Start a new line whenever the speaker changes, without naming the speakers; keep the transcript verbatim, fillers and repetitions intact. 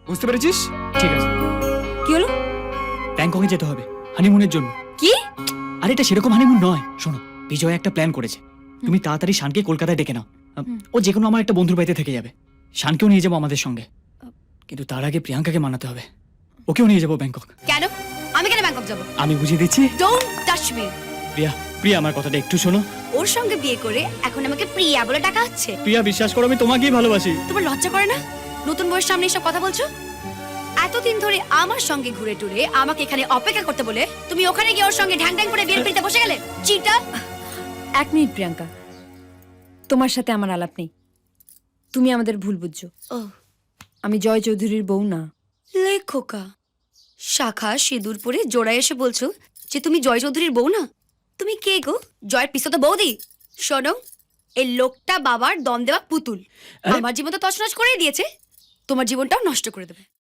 বুঝতে পেরেছিস? ঠিক আছে,
কি হলো?
ব্যাংককে যেতে হবে হানিমুনের জন্য।
কি?
আরে এটা সেরকম হানিমুন নয়, শোনো বিজয় একটা প্ল্যান করেছে। তুমি তাড়াতাড়ি শানকে কলকাতায় ডেকে নাও। ও যে কোনো আমার একটা বন্ধুর বাড়িতে থেকে যাবে। শানকেও নিয়ে যাবো আমাদের সঙ্গে, কিন্তু তার আগে প্রিয়াঙ্কাকে মানাতে হবে। ওকেও নিয়ে যাবো ব্যাংকক।
কেন? আমি কেন ব্যাংকক যাব?
আমি বুঝিয়ে দিচ্ছি।
Don't touch me.
Priya, Priya আমার কথাটা একটু শোনো।
ওর সঙ্গে বিয়ে করে এখন আমাকে প্রিয়া বলে ডাকা হচ্ছে।
প্রিয়া বিশ্বাস করো, আমি তোমাকেই ভালোবাসি।
তোমার লজ্জা করে না? নতুন বউয়ের সামনে এসব কথা বলছো? এতদিন ধরে আমার সঙ্গে ঘুরে টুরে আমাকে এখানে অপেক্ষা করতে বলে তুমি ওখানে গিয়ে ওর সঙ্গে ঢ্যাং ঢ্যাং করে বিয়ের পিড়িতে বসে গেলে। চিটা।
এক মিনিট প্রিয়াঙ্কা, তোমার সাথে আমার আলাপ নেই। তুমি আমাদের ভুল বুঝছো।
ও
আমি জয় চৌধুরীর বউ না।
লেখোকা, শাখা সিঁদুর পরে জোড়ায় এসে বলছো যে তুমি জয় চৌধুরীর বউ না? তুমি কে গো? জয়ের পিসো তো বৌদি। শোনো, এই লোকটা বাবার দম দেওয়া পুতুল।
আরে-
আমার জীবন তো তছনছ করে দিয়েছে, তোমার জীবনটাও নষ্ট করে দেবে।